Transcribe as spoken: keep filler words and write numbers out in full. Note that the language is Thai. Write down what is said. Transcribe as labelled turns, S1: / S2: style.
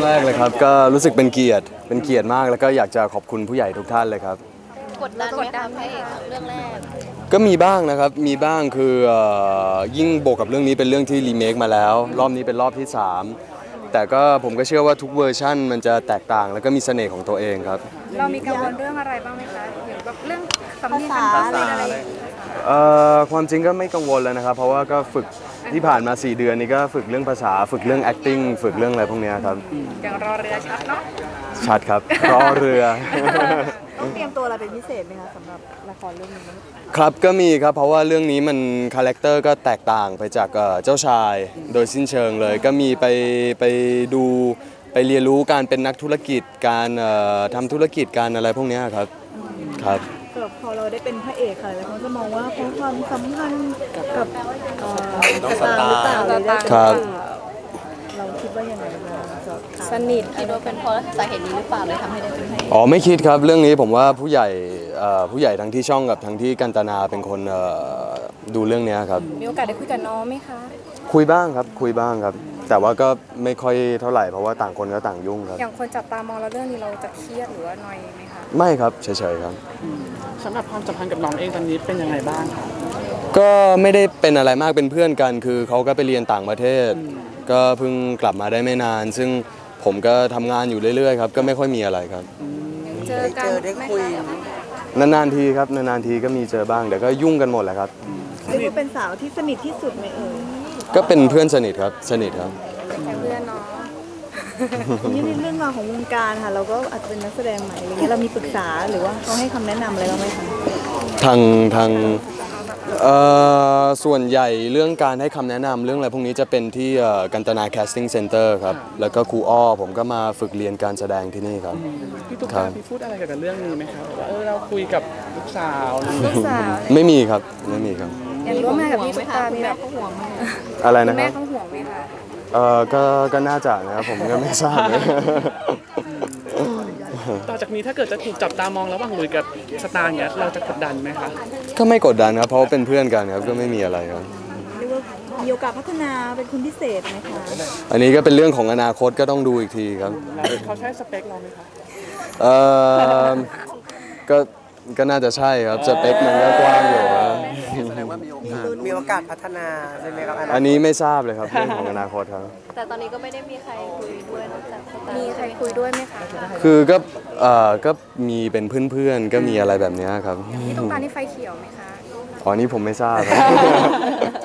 S1: แรกเลยครับก็รู้สึกเป็นเกียรติเป็นเกียรติมากแล้วก็อยากจะขอบคุณผู้ใหญ่ทุกท่านเลยครับ
S2: กดดันไหมคะพระเอกเรื่องแรก
S1: ก็มีบ้างนะครับมีบ้างคือยิ่งบวกกับเรื่องนี้เป็นเรื่องที่รีเมคมาแล้วรอบนี้เป็นรอบที่สามแต่ก็ผมก็เชื่อว่าทุกเวอร์ชั่นมันจะแตกต่างแล้วก็มีเสน่ห์ของตัวเองครับ
S3: เรามีกังวลเรื่องอะไรบ้างไหมคะอย่างแบบเรื่องสำเนียงการพูดอะไร
S1: ความจริงก็ไม่กังวลแล้วนะครับเพราะว่าก็ฝึกที่ผ่านมาสี่เดือนนี้ก็ฝึกเรื่องภาษาฝึกเรื่อง acting ฝึกเรื่องอะไรพวกนี้ครับ
S3: อย่างรอเรือชัดเนาะ
S1: ชัดครับรอเรือ
S3: ต้องเตรียมตัวอะไรเป็นพิเศษไหมคะสำหรับละครเรื่องนี้
S1: ครับก็มีครับเพราะว่าเรื่องนี้มันคาแรคเตอร์ก็แตกต่างไปจากเจ้าชายโดยสิ้นเชิงเลยก็มีไปไปดูไปเรียนรู้การเป็นนักธุรกิจการทำธุรกิจการอะไรพวกนี้ครับครับ
S3: พอเราได้เป็นพระเอกค่ะแล้วเขาจะมองว่าเขาความสัมพันธ์กับ
S1: น้องสตาร์หรือเปล่า
S3: ครับเราคิดว่ายังไงสนิท
S2: คิดว่าเป็นเพราะสาเหตุนี้หรือเปล่าเลยทำให้ได้เป็นพระเอก
S1: อ๋อไม่คิดครับเรื่องนี้ผมว่าผู้ใหญ่ผู้ใหญ่ทั้งที่ช่องกับทั้งที่กันตนาเป็นคนดูเรื่องนี้ครับ
S3: มีโอกาสได้คุยกับน้องไหมคะ
S1: คุยบ้างครับคุยบ้างครับแต่ว่าก็ไม่ค่อยเท่าไหร่เพราะว่าต่างคนก็ต่างยุ่งครับ
S3: อย่างคนจับตามองเราเรื่องนี้เราจะเครียดหรือว่าหน่อยไหมคะ
S1: ไม่ครับเฉยๆครับ
S4: สำหรับความสัมพันธ์กับน้องเองตอนนี้เป็นยังไงบ้างครับ
S1: ก็ไม่ได้เป็นอะไรมากเป็นเพื่อนกันคือเขาก็ไปเรียนต่างประเทศก็เพิ่งกลับมาได้ไม่นานซึ่งผมก็ทำงานอยู่เรื่อยๆครับก็ไม่ค่อยมีอะไรครับ
S3: เจอกันได้คุย
S1: นานๆทีครับนานๆทีก็มีเจอบ้างแต่ก็ยุ่งกันหมดแหละครับ
S3: เรียกว่าเป็นสาวที่สนิทที่สุดไหมเอ่ย
S1: ก็เป็นเพื่อนสนิทครับสนิทครับ
S3: แค่เพื่อนเนาะนี่ในเรื่องราวของวงการค่ะเราก็อาจจะเป็นนักแสดงใหม่อะไรเงี้ยเรามีปรึกษาหรือว่าเขาให้คำแนะนำอะไรบ้างไหมคะ
S1: ทางทางส่วนใหญ่เรื่องการให้คำแนะนำเรื่องอะไรพวกนี้จะเป็นที่กันตนา casting center ครับแล้วก็ครูอ้อผมก็มาฝึกเรียนการแสดงที่นี่ครับ
S4: พี่ตุ๊กตาพี่พูดอะไรกับเรื่องนี้ไหมครับว่าเออเราคุยกับลูกสาว
S3: ลูกสาว
S1: ไม่มีครับไม่มีครับ
S3: อย่างร่วมงานกับพี่ตุ๊กตามีแบบเขาห่วงไหม
S1: อะไรนะครับ
S3: แม่เขาห่วงไหมคะ
S1: เออก็ก็น่าจะนะครับผมก็ไม่ทราบเลย
S4: ต่อจากนี้ถ้าเกิดจะถูกจับตามองระหว่างลุยกับสตาร์เงี้ยเราจะกดดันไหมคะ
S1: ก็ไม่กดดันครับเพราะเป็นเพื่อนกันครับก็ไม่มีอะไรครับ
S3: เรียกว่ามีโอกาสพัฒนาเป็นคนพิเศษไหมคะ
S1: อันนี้ก็เป็นเรื่องของอนาคตก็ต้องดูอีกทีครับ
S4: เขาใช้สเปคเราไหมคะ
S1: เออก็ก็น่าจะใช่ครับสเปคมันก็กว้างอยู่ครับ
S5: แสดงว่ามีโอกาสมีโอกาสพัฒนาใช่ไหมครับ
S1: อันนี้ไม่ทราบเลยครับเรื่องของอนาคตครับ
S2: แต่ตอนนี้ก็ไม่ได้มีใครคุยด้วยนอกจากสตาร์
S3: มีใครคุยด้วยไหมคะ
S1: คือก็เอ่อก็มีเป็นเพื่อนๆก็มีอะไรแบบนี้ครับ
S3: พี่ตุ๊กตานี่ไฟเขียวไหมคะ
S1: อ๋อนี่ผมไม่ทราบครับ